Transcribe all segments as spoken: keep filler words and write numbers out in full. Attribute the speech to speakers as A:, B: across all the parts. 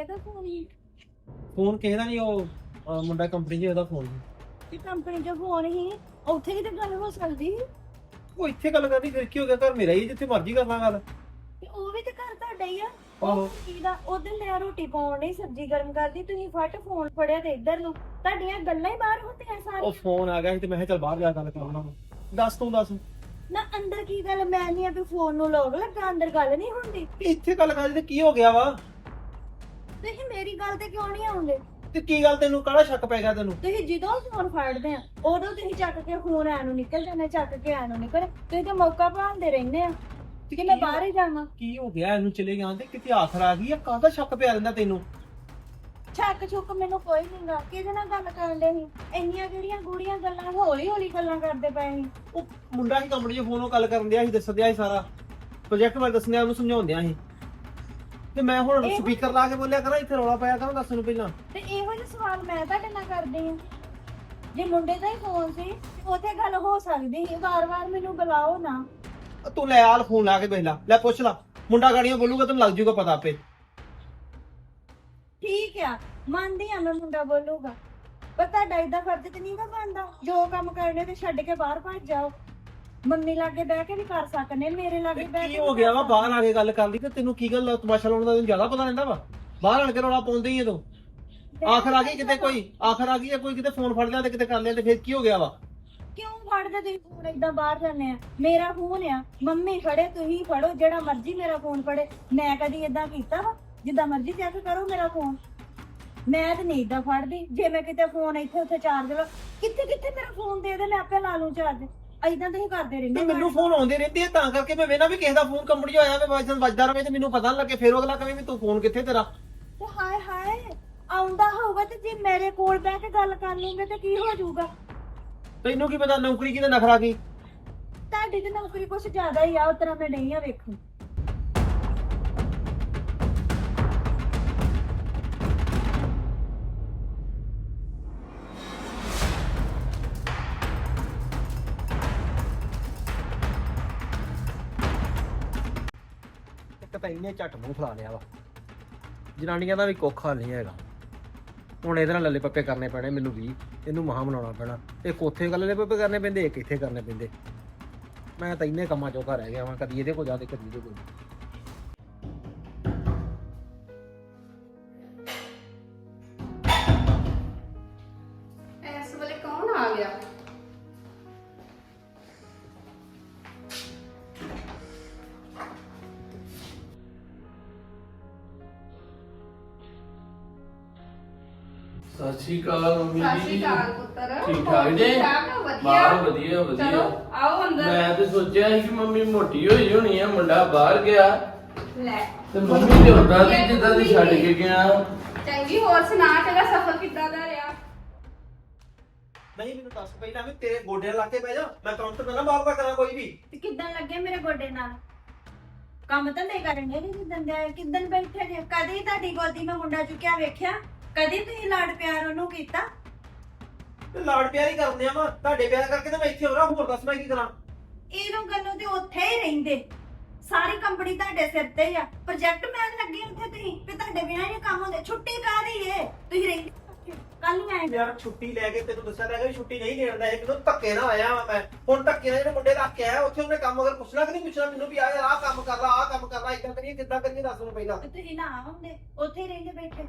A: ਕਿਹਦਾ ਫੋਨ ਹੀ
B: ਫੋਨ ਕਿਸੇ ਦਾ ਨਹੀਂ, ਉਹ ਅਹ ਮੁੰਡਾ ਕੰਪਨੀ 'ਚ ਉਹਦਾ ਫੋਨ।
A: ਤੇ ਕੰਪਨੀ ਚ ਫੋਨ ਹੀ ਉੱਥੇ ਹੀ ਤਾਂ ਗੱਲ ਹੋ ਸਕਦੀ ਸੀ।
B: ਉਹ ਇੱਥੇ ਗੱਲ ਕਰਨੀ ਫਿਰ ਕੀ ਹੋ ਗਿਆ, ਘਰ ਮੇਰਾ ਹੀ, ਜਿੱਥੇ ਮਰਜ਼ੀ ਕਰ ਲਾਂ ਗੱਲ।
A: ਤੇ ਉਹ ਵੀ ਤੇ ਘਰ ਤੁਹਾਡਾ ਹੀ ਆ।
B: ਆਹੋ।
A: ਉਹ ਕੀ ਦਾ ਉਧਰ ਮੈਂ ਰੋਟੀ ਪਾਉਣ ਨਹੀਂ ਸਬਜ਼ੀ ਗਰਮ ਕਰਦੀ, ਤੁਸੀਂ ਫਟ ਫੋਨ ਫੜਿਆ ਤੇ ਇੱਧਰ ਨੂੰ ਤੁਹਾਡੀਆਂ ਗੱਲਾਂ ਹੀ ਬਾਹਰ ਹੁੰਦੀਆਂ
B: ਉਹ
A: ਸਾਰੀਆਂ।
B: ਫੋਨ ਆ ਗਿਆ ਸੀ ਤੇ ਮੈਂ ਕਿਹਾ ਚੱਲ ਬਾਹਰ ਜਾ ਕੇ ਗੱਲ ਕਰਨਾ। ਦੱਸ ਤੂੰ ਦੱਸ,
A: ਨਾ ਅੰਦਰ ਕੀ ਗੱਲ, ਮੈਂ ਨਹੀਂ ਆ ਵੀ ਫੋਨ ਨੂੰ ਲੋਕ ਲੱਗਾ, ਅੰਦਰ ਗੱਲ ਨਹੀਂ ਹੁੰਦੀ।
B: ਇੱਥੇ ਗੱਲ ਕਰਨੀ ਤੇ ਕੀ ਹੋ ਗਿਆ ਵਾ?
A: ਤੁਸੀਂ ਮੇਰੀ ਗੱਲ ਤੇ ਕਿਉਂ ਨਹੀਂ ਆਉਂਦੇ?
B: ਤੇ ਕੀ ਗੱਲ, ਤੈਨੂੰ ਕਾਹਦਾ ਸ਼ੱਕ ਪੈ ਗਿਆ ਤੈਨੂੰ?
A: ਤੁਸੀਂ ਜਦੋਂ ਫੋਨ ਫੜਦੇ ਆ ਉਦੋਂ ਤੁਸੀਂ ਚੱਕ ਕੇ ਫੋਨ ਐ ਨੂੰ ਨਿਕਲ ਜਾਂਦੇ, ਚੱਕ ਕੇ ਐ ਨੂੰ ਨਿਕਲ। ਤੁਸੀਂ ਤੇ ਮੌਕਾ ਭਾਲਦੇ ਰਹਿੰਦੇ ਆ ਕਿ ਮੈਂ ਬਾਹਰ ਹੀ ਜਾਵਾਂ।
B: ਕੀ ਹੋ ਗਿਆ ਇਹਨੂੰ, ਚਲੇ ਗਿਆ ਤੇ ਕਿਤੇ ਆਖਰ ਆ ਗਈ ਆ? ਕਾਹਦਾ ਸ਼ੱਕ ਪਿਆ ਰਹਿੰਦਾ ਤੈਨੂੰ?
A: ਛੱਕ ਛੁੱਕ ਮੈਨੂੰ ਕੋਈ ਨਹੀਂਗਾ। ਕਿਹਦੇ ਨਾਲ ਗੱਲ ਕਰਨ ਦੇ ਸੀ? ਇੰਨੀਆਂ ਜਿਹੜੀਆਂ ਗੂੜੀਆਂ ਗੱਲਾਂ, ਹੌਲੀ ਹੌਲੀ ਗੱਲਾਂ ਕਰਦੇ ਪਏ ਸੀ।
B: ਉਹ ਮੁੰਡਾ ਹੀ ਕੰਪਨੀ 'ਚ ਫੋਨੋਂ ਗੱਲ ਕਰਨ ਦਿਆ ਸੀ, ਦੱਸ ਦਿਆ ਸੀ ਸਾਰਾ ਪ੍ਰੋਜੈਕਟ ਬਾਰੇ ਦੱਸਣਿਆ, ਉਹਨੂੰ ਸਮਝਾਉਂਦਿਆ ਸੀ। ਤੇ ਮੈਂ ਹੁਣ
A: ਇਹ-
B: ਸਪੀਕਰ ਲਾ ਕੇ ਬੋਲਿਆ ਕਰਾਂ, ਇੱਥੇ ਰੌਲਾ ਪਾਇਆ ਕਰਾਂ, ਦੱਸ ਨੂੰ ਪਹਿਲਾਂ।
A: ਤੇ ਇਹੋ ਜਿਹੇ ਸਵਾਲ ਮੈਂ ਤੁਹਾਡੇ ਨਾਲ ਕਰਦੀ ਆ। ਜੇ ਮੁੰਡੇ ਦਾ ਹੀ ਫੋਨ ਸੀ ਉੱਥੇ ਗੱਲ ਹੋ ਸਕਦੀ ਸੀ, ਵਾਰ-ਵਾਰ ਮੈਨੂੰ ਬੁਲਾਓ ਨਾ।
B: ਤੂੰ ਲੈ ਆਲ ਫੋਨ ਲਾ ਕੇ ਵੇਖ ਲੈ, ਲੈ ਪੁੱਛ ਲਾ, ਮੁੰਡਾ ਗਾੜੀਆਂ ਬੋਲੂਗਾ ਤੈਨੂੰ ਲੱਗ ਜੂਗਾ ਪਤਾ ਆਪੇ।
A: ਠੀਕ ਆ, ਮੰਨਦੀ ਆ ਮੈਂ ਮੁੰਡਾ ਬੋਲੂਗਾ, ਪਰ ਤੁਹਾਡਾ ਏਦਾਂ ਫਰਜ਼ ਤੇ ਨਹੀਂ ਗਾ ਬਣਦਾ। ਜੋ ਕੰਮ ਕਰਨੇ ਤੇ ਛੱਡ ਕੇ ਬਾਹਰ ਭੱਜ ਜਾਓ। ਮੰਮੀ ਲਾਗੇ ਬਹਿ ਕੇ ਵੀ ਕਰ ਸਕਨੇ, ਮੇਰੇ ਲਾਗੇ ਬਹਿ ਕੇ
B: ਕੀ ਹੋ ਗਿਆ ਵਾ, ਬਾਹਰ ਆ ਕੇ ਗੱਲ ਕਰ ਲਈ ਤੇ ਤੈਨੂੰ ਕੀ ਗੱਲ, ਤਮਾਸ਼ਾ ਲਾਉਣ ਦਾ ਤੈਨੂੰ ਜ਼ਿਆਦਾ ਪਤਾ ਰਹਿੰਦਾ ਵਾ? ਬਾਹਰ ਆਣ ਕੇ ਰੌਲਾ ਪਾਉਂਦੇ ਹੀ ਆ ਤੂੰ। ਆਖਰ ਆ ਗਈ ਕਿਤੇ, ਕੋਈ ਆਖਰ ਆ ਗਈ ਆ, ਕੋਈ ਕਿਤੇ ਫੋਨ ਫੜ ਲਿਆ ਤੇ ਕਿਤੇ ਕਰ ਲਿਆ ਤੇ ਫਿਰ ਕੀ ਹੋ ਗਿਆ ਵਾ?
A: ਕਿਉਂ ਫੜਦੇ ਤੁਸੀਂ ਫੋਨ ਏਦਾਂ ਬਾਹਰ ਜਾਂਦੇ ਆ? ਮੇਰਾ ਫੋਨ ਆ, ਮੰਮੀ ਫੜੇ, ਤੁਸੀਂ ਫੜੋ, ਜਿਹੜਾ ਮਰਜ਼ੀ ਮੇਰਾ ਫੋਨ ਫੜੇ। ਮੈਂ ਕਦੀ ਏਦਾਂ ਕੀਤਾ ਵਾ? ਜਿੱਦਾਂ ਮਰਜ਼ੀ ਚੈੱਕ ਕਰੋ ਮੇਰਾ ਫੋਨ। ਮੈਂ ਤੇ ਨਹੀਂ ਏਦਾਂ ਫੜਦੀ। ਜੇ ਮੈਂ ਕਿਤੇ ਫੋਨ ਇੱਥੇ ਉੱਥੇ ਚਾਰਜ ਲਾ, ਕਿੱਥੇ ਕਿੱਥੇ ਮੇਰਾ ਫੋਨ ਦੇ ਦੇ, ਮੈਂ ਆਪੇ ਲਾ ਲੂੰ ਚਾਰਜ। ਏਦਾਂ ਤੁਸੀਂ ਕਰਦੇ
B: ਤੇ
A: ਰਹਿੰਦੇ।
B: ਮੈਨੂੰ ਫੋਨ ਆਉਂਦੇ ਰਹਿੰਦੇ ਆ, ਤਾਂ ਕਰਕੇ ਮੈਂ ਵੇਖਣਾ ਵੀ ਕਿਸੇ ਦਾ ਫੋਨ ਕੰਪਨੀ 'ਚ ਆਇਆ ਵੇ, ਵਾਜਦਾ ਵੱਜਦਾ ਰਵੇ ਤੇ ਮੈਨੂੰ ਪਤਾ ਨਾ ਲੱਗੇ, ਫਿਰ ਅਗਲਾ ਕਹੇ ਵੀ ਤੂੰ ਫੋਨ ਕਿੱਥੇ ਤੇਰਾ।
A: ਤੇ ਹਾਏ ਹਾਏ, ਆਉਂਦਾ ਹੋਊਗਾ ਤੇ ਜੇ ਮੇਰੇ ਕੋਲ ਬਹਿ ਕੇ ਗੱਲ ਕਰ ਲੂੰਗੇ ਤੇ ਕੀ ਹੋ ਜਾਊਗਾ?
B: ਤੈਨੂੰ ਕੀ ਪਤਾ ਨੌਕਰੀ ਕਿਤੇ ਨਖਰਾ ਕੀ?
A: ਤੁਹਾਡੀ ਤੇ ਨੌਕਰੀ ਕੁਛ ਜ਼ਿਆਦਾ ਹੀ ਆ, ਉਸ ਤਰ੍ਹਾਂ ਮੈਂ ਨਹੀਂ ਆ ਵੇਖੂ।
B: ਇੱਕ ਤਾਂ ਇਹਨੇ ਝੱਟ ਮੂੰਹ ਫਲਾ ਲਿਆ ਵਾ, ਜਨਾਨੀਆਂ ਦਾ ਵੀ ਕੋਖਾ ਨਹੀਂ ਹੈਗਾ। ਹੁਣ ਇਹਦੇ ਨਾਲ ਲੱਲੇ ਪੱਪੇ ਕਰਨੇ ਪੈਣੇ ਮੈਨੂੰ ਵੀ, ਇਹਨੂੰ ਮਹਾ ਮਨਾਉਣਾ ਪੈਣਾ। ਇੱਕ ਉੱਥੇ ਗੱਲ ਲੱਲੇ ਪੱਪੇ ਕਰਨੇ ਪੈਂਦੇ, ਇੱਕ ਇੱਥੇ ਕਰਨੇ ਪੈਂਦੇ। ਮੈਂ ਤਾਂ ਇੰਨੇ ਕੰਮਾਂ ਚੋਂ ਘਰ ਰਹਿ ਗਿਆ ਵਾਂ, ਕਦੀ ਇਹਦੇ ਕੋਲ ਜਾ ਤੇ ਕਦੀ ਇਹਦੇ ਕੋਲ।
C: ਇਸ ਵੇਲੇ ਕੌਣ ਆ ਗਿਆ?
D: ਸਤਿ ਸ਼੍ਰੀ ਅਕਾਲ ਮੰਮੀ
C: ਸਤਿ ਸ਼੍ਰੀ
D: ਜੀ।
C: ਅਕਾਲ ਪੁੱਤਰ।
D: ਠੀਕ ਠਾਕ ਜੇ?
C: ਠੀਕ ਠਾਕ ਆ, ਵਧੀਆ।
D: ਬਾਹਰ ਵਧੀਆ ਵਧੀਆ।
C: ਚਲੋ ਆਓ ਅੰਦਰ।
D: ਮੈਂ ਤੇ ਸੋਚਿਆ ਸੀ ਕਿ ਮੰਮੀ ਮੋਟੀ ਹੋਈ ਹੋਣੀ ਆ, ਮੁੰਡਾ ਬਾਹਰ ਗਿਆ
C: ਲੈ
D: ਤੇ ਮੰਮੀ ਤੇ ਉਦਾਂ ਦੀ ਜਿੱਦਾਂ ਦੀ ਛੱਡ ਕੇ ਗਿਆ।
C: ਚੰਗੀ, ਹੋਰ ਸੁਣਾ, ਤੇਰਾ ਸਫ਼ਰ ਕਿੱਦਾਂ ਦਾ ਰਿਹਾ?
B: ਨਹੀਂ ਮੈਨੂੰ ਦੱਸ ਪਹਿਲਾਂ ਵੀ ਤੇਰੇ ਗੋਡਿਆਂ ਲਾ ਕੇ ਬਹਿ ਜਾ, ਮੈਂ ਕਾਊਂਟਰ ਤੇ ਨਾ ਬਾਹਰ ਦਾ ਕਰਾਂ ਕੋਈ ਵੀ।
A: ਤੇ ਕਿੱਦਾਂ ਲੱਗੇ ਮੇਰੇ ਗੋਡੇ ਨਾਲ? ਕੰਮ ਧੰਦੇ ਕਰਨੇ ਨਹੀਂ ਜਿੱਦਣ ਦੇ ਆਏ, ਕਿੱਦਣ ਬੈਠੇ ਜੇ? ਕਦੀ ਤੁਹਾਡੀ ਗੋਦੀ ਮੈਂ ਮੁੰਡਾ ਚੁੱਕਿਆ ਵੇਖਿਆ? ਕਦੀ ਤੁਸੀਂ ਲਾਡ ਪਿਆਰ ਉਹਨੂੰ ਕੀਤਾ?
B: ਤੇ ਲਾੜ ਪਿਆਰ ਹੀ ਕਰਦੇ ਆ ਵਾ, ਤੁਹਾਡੇ ਪਿਆਰ ਕਰਕੇ ਤਾਂ ਮੈਂ ਇੱਥੇ ਹੋ ਰਿਹਾ, ਹੋਰ ਦੱਸ ਮੈਂ ਕੀ ਕਰਾਂ?
A: ਇਹਨੂੰ ਗੱਲੋਂ ਤੇ ਉੱਥੇ ਹੀ ਰਹਿੰਦੇ। ਸਾਰੀ ਕੰਪਨੀ ਤੁਹਾਡੇ ਸਿਰ ਤੇ ਹੀ ਆ। ਪ੍ਰੋਜੈਕਟ ਮੈਨ ਲੱਗੇ ਉੱਥੇ ਤੁਸੀਂ, ਤੇ ਤੁਹਾਡੇ ਬਿਨਾਂ ਨਹੀਂ ਕੰਮ ਹੁੰਦੇ। ਛੁੱਟੀ ਕਾਹਦੀ ਏ? ਤੁਸੀਂ ਰਹਿੰਦੇ ਕੱਲ ਨੂੰ ਆਏ।
B: ਯਾਰ ਛੁੱਟੀ ਲੈ ਕੇ ਤੈਨੂੰ ਦੱਸਿਆ ਤਾਂ ਹੈਗਾ ਵੀ ਛੁੱਟੀ ਨਹੀਂ ਦੇਣ ਦਾ, ਇਹ ਮੈਨੂੰ ਧੱਕੇ ਨਾਲ ਆਇਆ ਵਾ ਮੈਂ। ਹੁਣ ਧੱਕੇ ਨਾਲ ਜਿਹੜੇ ਮੁੰਡੇ ਰੱਖ ਕੇ ਆਇਆ ਉੱਥੇ ਉਹਨੇ ਕੰਮ ਅਗਰ ਪੁੱਛਣਾ ਕਿ ਨਹੀਂ ਪੁੱਛਣਾ ਮੈਨੂੰ ਵੀ ਆ ਯਾਰ ਆਹ ਕੰਮ ਕਰ ਲਾ, ਆਹ ਕੰਮ ਕਰ ਲਾ, ਇਦਾਂ ਕਰੀਏ ਕਿੱਦਾਂ ਕਰੀਏ, ਦੱਸ ਮੈਨੂੰ ਪਹਿਲਾਂ।
A: ਤੇ ਤੁਸੀਂ ਨਾ ਆਉਂਦੇ, ਉੱਥੇ ਹੀ ਰਹਿੰਦੇ ਬੈਠੇ।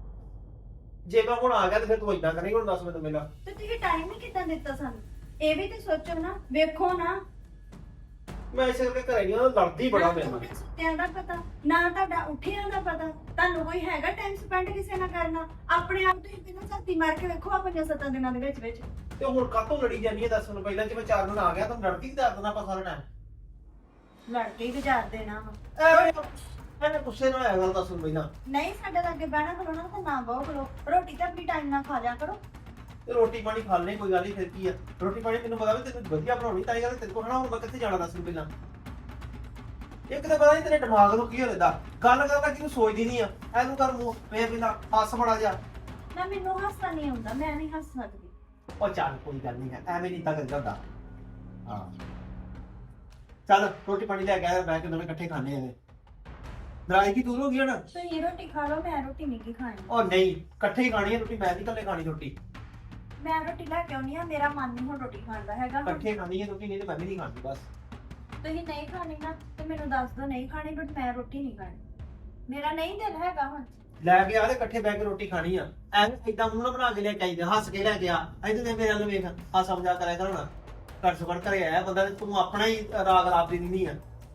B: ਜੇ ਮੈਂ ਹੁਣ ਆ ਗਿਆ ਤੇ ਫਿਰ ਤੂੰ ਇਦਾਂ ਕਰੇਂਗੀ, ਹੁਣ ਦੱਸ ਮੈਨੂੰ ਪਹਿਲਾਂ।
A: ਤੇ ਤੁਸੀਂ ਟਾਈਮ ਹੀ ਕਿੱਦਾਂ ਦਿੱਤਾ ਸਾਨੂੰ? ਇਹ ਵੀ ਤੇ ਸੋਚੋ ਨਾ, ਵੇਖੋ ਨਾ।
B: ਮੈਂ ਇਸੇ ਕਰਕੇ ਘਰੇ ਨਹੀਂ ਆਉਂਦਾ, ਲੜਦੀ ਬੜਾ
A: ਨਾ
B: ਮੇਰੇ ਨਾਲ।
A: ਤੁਹਾਡੇ ਸੁੱਤਿਆਂ ਦਾ ਪਤਾ, ਨਾ ਤੁਹਾਡਾ ਉੱਠਿਆਂ ਦਾ ਪਤਾ। ਤੁਹਾਨੂੰ ਕੋਈ ਹੈਗਾ ਟਾਈਮ ਸਪੈਂਡ ਕਿਸੇ ਨਾਲ ਕਰਨਾ? ਆਪਣੇ ਆਪ ਤੁਸੀਂ ਪਹਿਲਾਂ ਸਾਥੀ ਮਾਰ ਕੇ ਵੇਖੋ ਆ ਪੰਜਾਂ ਸੱਤਾਂ ਦਿਨਾਂ ਦੇ ਵਿੱਚ ਵਿੱਚ।
B: ਤੇ ਹੁਣ ਕਾਹਤੋਂ ਲੜੀ ਜਾਂਦੀ ਹੈ ਦੱਸ ਮੈਨੂੰ ਪਹਿਲਾਂ? ਜੇ ਮੈਂ ਚਾਰ ਦਿਨ ਆ ਗਿਆ ਤਾਂ ਲੜਦੀ ਕਰ ਦੇਣਾ ਆਪਾਂ ਸਾਰਾ ਟਾਈਮ।
A: ਲੜ ਕੇ ਹੀ ਗੁਜ਼ਾਰ ਦੇਣਾ ਵਾ।
B: ਐਵੇਂ ਐਵੇਂ ਗੁੱਸੇ ਨਾਲ ਆਇਆ ਗੱਲ ਦੱਸ ਮੈਨੂੰ ਪਹਿਲਾਂ।
A: ਨਹੀਂ ਸਾਡੇ ਲਾਗੇ ਬਹਿਣਾ ਖਲੋਣਾ ਤਾਂ ਨਾ ਬਹੁ ਖਲੋ। ਰੋਟੀ ਤਾਂ ਆਪਣੀ ਟਾਈਮ ਨਾਲ ਖਾ ਲਿਆ ਕਰੋ।
B: ਤੇ ਰੋਟੀ ਪਾਣੀ ਖਾ ਲੈਣੇ, ਕੋਈ ਗੱਲ ਨਹੀਂ, ਫਿਰ ਕੀ ਆ। ਰੋਟੀ ਪਾਣੀ ਤੈਨੂੰ ਪਤਾ ਵੀ ਤੈਨੂੰ ਵਧੀਆ ਬਣਾਉਣੀ, ਤਾਂ ਇਹ ਗੱਲ ਤੇਰੇ ਕੋਲ ਹਨਾ। ਹੁਣ ਮੈਂ ਕਿੱਥੇ ਜਾਣਾ ਦੱਸ ਮੈਨੂੰ ਪਹਿਲਾਂ। ਇੱਕ ਤਾਂ ਪਤਾ ਨਹੀਂ ਤੇਰੇ ਦਿਮਾਗ ਨੂੰ ਕੀ ਹੋ ਜਾਂਦਾ, ਗੱਲ ਕਰਦਾ ਕਿਉਂ ਸੋਚਦੀ ਨਹੀਂ ਆ। ਇਹਨੂੰ ਕਰ ਮੂੰਹ ਵੇ ਪਹਿਲਾਂ ਹੱਸ ਬੜਾ ਜਾ।
A: ਨਾ ਮੈਨੂੰ ਹਾਸਾ ਨਹੀਂ ਆਉਂਦਾ, ਮੈਂ ਨਹੀਂ ਹੱਸ ਸਕਦੀ।
B: ਉਹ ਚੱਲ ਕੋਈ ਗੱਲ ਨਹੀਂ ਹੈ, ਐਵੇਂ ਨਹੀਂ ਤਾਂ ਕਰੀਦਾ ਹੁੰਦਾ। ਹਾਂ ਚੱਲ ਰੋਟੀ ਪਾਣੀ ਲੈ ਕੇ ਆ, ਬਹਿ ਕੇ ਦੋਵੇਂ ਇਕੱਠੇ ਖਾਣੇ ਆ। ਨਾਰਾਜ਼ਗੀ ਦੂਰ ਹੋ ਗਈ ਹੁਣ।
A: ਤੁਸੀਂ ਰੋਟੀ ਖਾ ਲਓ, ਮੈਂ ਰੋਟੀ ਨਹੀਂ ਕੀ ਖਾਣੀ।
B: ਉਹ ਨਹੀਂ, ਇਕੱਠੇ ਹੀ ਖਾਣੀ ਹੈ ਰੋਟੀ, ਮੈਂ ਨਹੀਂ ਇਕੱਲੇ ਖਾਣੀ ਰੋਟੀ।
A: ਮੈਂ ਰੋਟੀ ਲੈ ਕੇ ਆਉਣੀ ਆ, ਮੇਰਾ ਮਨ ਨਹੀਂ ਹੁਣ ਰੋਟੀ ਖਾਣ ਦਾ ਹੈਗਾ।
B: ਇਕੱਠੇ ਖਾਣੀ ਹੈ ਰੋਟੀ, ਨਹੀਂ ਤੇ ਮੈਂ ਵੀ ਨਹੀਂ ਖਾਣੀ ਬਸ।
A: ਤੁਸੀਂ ਨਹੀਂ ਖਾਣੀ ਨਾ ਤੇ ਮੈਨੂੰ ਦੱਸ ਦਿਓ ਨਹੀਂ ਖਾਣੀ, ਬਟ ਮੈਂ ਰੋਟੀ ਨਹੀਂ ਖਾਣੀ। ਮੇਰਾ ਨਹੀਂ ਦਿਲ ਹੈਗਾ ਹੁਣ।
B: ਲੈ ਕੇ ਆ ਤੇ ਇਕੱਠੇ ਬਹਿ ਕੇ ਰੋਟੀ ਖਾਣੀ ਆ। ਐਵੇਂ ਏਦਾਂ ਮੂੰਹ ਨਾ ਬਣਾ ਕੇ ਲੈ ਕੇ ਆਈਦੇ, ਹੱਸ ਕੇ ਲੈ ਕੇ ਆ। ਇੱਧਰ ਦੇ ਮੇਰੇ ਵੱਲ ਵੇਖ, ਹਾਸਾ ਮਜ਼ਾਕ ਕਰਿਆ ਕਰ ਹੁਣ। ਘਰ ਸੋ ਘਰ ਘਰੇ ਆਇਆ ਬੰਦਾ ਤੇ ਤੂੰ ਆਪਣਾ ਹੀ ਰਾਗ ਰਾਤ ਦੀ ਨਹੀਂ ਆ।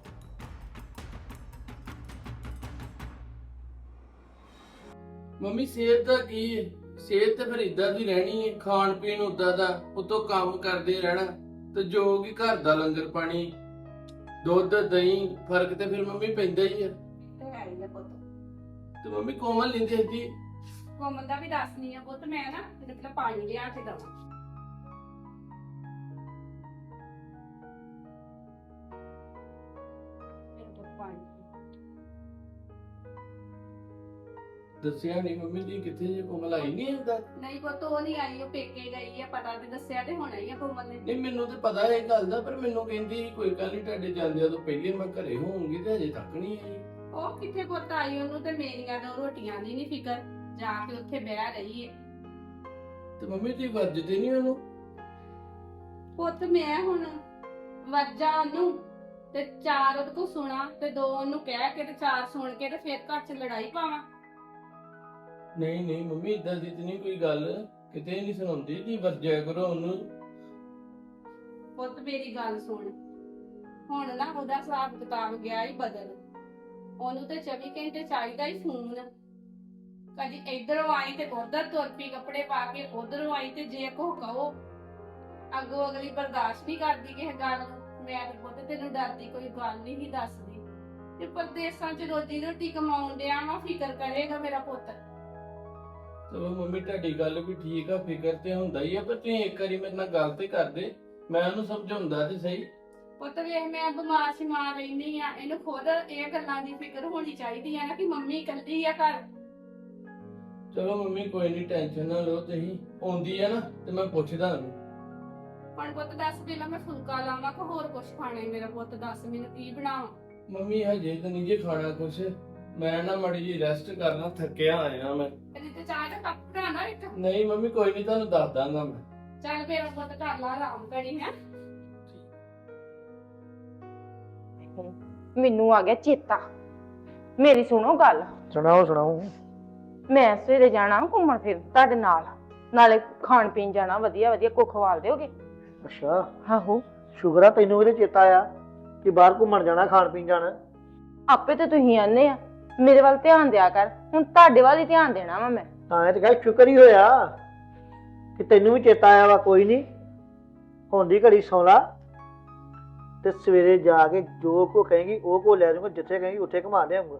D: ਮੰਮੀ ਸਿਹਤ ਦਾ ਕੀ ਹੈ? ਸਿਹਤ ਤੇ ਫਿਰ ਇਦਾਂ ਦੀ ਰਹਿਣੀ ਹੈ, ਖਾਣ ਪੀਣ ਉਦਾਂ ਦਾ, ਉਤੋਂ ਕੰਮ ਕਰਦੇ ਰਹਿਣਾ ਤੇ ਜੋ ਕਿ ਘਰ ਦਾ ਲੰਗਰ ਪਾਣੀ, ਦੁੱਧ ਦਹੀਂ, ਫਰਕ ਤੇ ਫਿਰ ਮੰਮੀ ਪੈਂਦਾ ਹੀ ਆ।
C: ਤੇ ਹੈ ਹੀ ਆ ਪੁੱਤ।
D: ਤੇ ਮੰਮੀ ਕੋਮਲ ਲੈਂਦੇ ਸੀ।
C: ਕੋਮਲ ਦਾ ਵੀ ਦੱਸਣੀ ਆ ਪੁੱਤ, ਮੈਂ ਨਾ ਤੈਨੂੰ ਪਹਿਲਾਂ ਪਾਣੀ ਲਿਆ ਕੇ ਦਵਾਂ।
D: ਦੱਸਿਆ ਨਹੀਂ ਮੰਮੀ ਜੀ ਕਿੱਥੇ ਜੇ ਕੋਮਲ ਆਈ ਨਹੀਂ ਹੁੰਦਾ।
C: ਨਹੀਂ ਪੁੱਤ ਉਹ ਨਹੀਂ ਆਈ, ਉਹ ਪੇਕੇ ਗਈ ਆ। ਪਤਾ ਤੇ ਦੱਸਿਆ ਤੇ ਹੋਣਾ ਹੀ ਆ ਕੋਮਲ ਨੇ।
D: ਨਹੀਂ ਮੈਨੂੰ ਤੇ ਪਤਾ ਹੈ ਇਹ ਗੱਲ ਦਾ, ਪਰ ਮੈਨੂੰ ਕਹਿੰਦੀ ਸੀ ਕੋਈ ਗੱਲ ਨਹੀਂ ਤੁਹਾਡੇ ਜਾਂਦਿਆਂ ਤੋਂ ਪਹਿਲੇ ਮੈਂ ਘਰੇ ਹੋਊਂਗੀ, ਤੇ ਅਜੇ ਤੱਕ ਨਹੀਂ ਆਈ।
C: ਉਹ ਕਿੱਥੇ ਪੁੱਤ ਆਈ, ਉਹਨੂੰ ਤੇ ਮੇਰੀਆਂ ਦੋ ਰੋਟੀਆਂ ਦੀ ਨਹੀਂ ਫਿਕਰ, ਜਾ ਕੇ ਉੱਥੇ ਬਹਿ ਰਹੀ ਏ।
D: ਤੇ ਮੰਮੀ ਤੁਸੀਂ ਵਰਜਦੇ ਨਹੀਂ ਉਹਨੂੰ?
C: ਪੁੱਤ ਮੈਂ ਹੁਣ ਵੱਜਾ ਉਹਨੂੰ ਤੇ ਚਾਰ ਉਹਦੇ ਕੋ ਸੁਣਾ ਤੇ ਦੋ ਉਹਨੂੰ ਕਹਿ ਕੇ ਤੇ ਚਾਰ ਸੁਣ ਕੇ ਤੇ ਫਿਰ ਘਰ ਚ ਲੜਾਈ ਪਾਵਾਂ।
D: ਨਹੀਂ ਨਹੀਂ ਮੰਮੀ ਇਦਾਂ ਦੀ ਤੇ ਨਹੀਂ ਕੋਈ ਗੱਲ, ਕਿਤੇ ਨਹੀਂ ਸੁਣਾਉਂਦੀ ਜੀ, ਵਰਜਿਆ ਕਰੋ ਉਹਨੂੰ।
C: ਪੁੱਤ ਮੇਰੀ ਗੱਲ ਸੁਣ, ਹੁਣ ਨਾ ਉਹਦਾ ਹਿਸਾਬ ਕਿਤਾਬ ਗਿਆ ਹੀ ਬਦਲ। ਉਹਨੂੰ ਤੇ ਚੌਵੀ ਘੰਟੇ ਚਾਹੀਦਾ ਹੀ ਫੋਨ। ਕਦੀ ਇਧਰੋਂ ਆਈ ਤੇ ਉਧਰ ਤੁਰ ਪਈ, ਕੱਪੜੇ ਪਾ ਕੇ ਉਧਰੋਂ ਆਈ ਤੇ ਜੇ ਕੋ ਕਹੋ ਅੱਗੋਂ ਅਗਲੀ ਬਰਦਾਸ਼ਤ ਨਹੀਂ ਕਰਦੀ ਕਿਸੇ ਗੱਲ ਨੂੰ। ਮੈਂ ਤੇ ਪੁੱਤ ਤੈਨੂੰ ਡਰਦੀ ਕੋਈ ਗੱਲ ਨਹੀਂ ਹੀ ਦੱਸਦੀ। ਤੇ ਪਰਦੇਸਾਂ ਚ ਰੋਜੀ ਰੋਟੀ ਕਮਾਉਣ ਡਿਆ ਵਾ, ਫਿਕਰ ਕਰੇਗਾ ਮੇਰਾ ਪੁੱਤ।
D: ਚਲੋ ਮੰਮੀ ਤੁਹਾਡੀ ਗੱਲ ਵੀ ਠੀਕ ਆ, ਫਿਕਰ ਤੇ ਹੁੰਦਾ ਹੀ ਆ, ਪਰ ਤੁਸੀਂ ਇੱਕ ਵਾਰੀ ਮੇਰੇ ਨਾਲ ਗੱਲ ਤੇ ਕਰਦੇ, ਮੈਂ ਉਹਨੂੰ ਸਮਝਾਉਂਦਾ ਤੇ ਸਹੀ।
C: ਪੁੱਤ ਵੇਖ ਮੈਂ ਬਿਮਾਰ ਸ਼ਿਮਾਰ ਰਹਿੰਦੀ ਆ, ਇਹਨੂੰ ਖੁਦ ਇਹ ਗੱਲਾਂ ਦੀ ਫਿਕਰ ਹੋਣੀ ਚਾਹੀਦੀ ਆ ਨਾ ਕਿ ਮੰਮੀ ਇਕੱਲੀ ਆ ਘਰ।
D: ਚਲੋ ਮੰਮੀ ਕੋਈ ਨਹੀਂ, ਟੈਨਸ਼ਨ ਨਾ ਲਓ ਤੁਸੀਂ, ਆਉਂਦੀ ਆ ਨਾ ਤੇ ਮੈਂ ਪੁੱਛਦਾ ਉਹਨੂੰ।
C: ਹੁਣ ਪੁੱਤ ਦੱਸ ਪਹਿਲਾਂ ਮੈਂ ਫੁਲਕਾ ਲਾਵਾਂ ਕਿ ਹੋਰ ਕੁਝ ਖਾਣਾ ਹੈ? ਮੇਰਾ ਪੁੱਤ ਦੱਸ ਮੈਨੂੰ ਕੀ ਬਣਾਵਾਂ।
D: ਮੰਮੀ ਹਜੇ ਤਾਂ ਨਹੀਂ ਜੇ ਖਾਣਾ ਕੁਛ, ਮੈਂ ਨਾ ਮੜੀ ਜੀ ਰੈਸਟ ਕਰਨਾ, ਥੱਕਿਆ ਆਇਆ ਮੈਂ।
C: ਤੇ ਤੇ ਚਾਹ ਦਾ ਕੱਪ ਬਣਾਣਾ ਇੱਕ।
D: ਨਹੀਂ ਮੰਮੀ ਕੋਈ ਨਹੀਂ, ਤੁਹਾਨੂੰ ਦੱਸ ਦਾਂਗਾ ਮੈਂ।
C: ਚੱਲ ਮੇਰਾ ਪੁੱਤ ਕਰ ਲਾ ਆਰਾਮ ਕਰੀ ਹੈ।
E: ਮੈਨੂੰ ਆ ਗਿਆ ਚੇਤਾ। ਮੇਰੀ ਸੁਣੋ ਗੱਲ।
B: ਸੁਣਾਓ ਸੁਣਾਓ।
E: ਮੈਂ ਸਵੇਰੇ ਜਾਣਾ ਘੁੰਮਣ ਫਿਰ ਤੁਹਾਡੇ ਨਾਲ, ਨਾਲੇ ਖਾਣ ਪੀਣ ਜਾਣਾ, ਵਧੀਆ ਵਧੀਆ ਕੋ ਖਵਾਲ ਦਿਓਗੇ।
B: ਅੱਛਾ,
E: ਆਹੋ
B: ਸ਼ੁਕਰ ਆ ਤੈਨੂੰ ਇਹਦੇ ਚੇਤਾ ਆਇਆ ਕਿ ਬਾਹਰ ਘੁੰਮਣ ਜਾਣਾ, ਖਾਣ ਪੀਣ ਜਾਣਾ।
E: ਆਪੇ ਤੇ ਤੁਸੀਂ ਆਨੇ ਆ ਮੇਰੇ ਵੱਲ ਧਿਆਨ ਦਿਆ ਕਰ, ਹੁਣ ਤੁਹਾਡੇ ਵੱਲ ਹੀ ਧਿਆਨ ਦੇਣਾ ਵਾ ਮੈਂ।
B: ਤਾਂ ਇਹ ਤੇ ਕਹੇ ਸ਼ੁਕਰ ਹੀ ਹੋਇਆ ਕਿ ਤੈਨੂੰ ਵੀ ਚੇਤਾ ਆਇਆ ਵਾ। ਕੋਈ ਨਹੀਂ, ਹੁੰਦੀ ਘੜੀ ਸੌਂ ਲਾ ਤੇ ਸਵੇਰੇ ਜਾ ਕੇ ਜੋ ਕੋ ਕਹੇਗੀ ਉਹ ਕੋ ਲੈ ਜਾਊਂਗਾ, ਜਿੱਥੇ ਕਹੇਗੀ ਉੱਥੇ ਘੁਮਾ ਲਿਆਉਂਗਾ।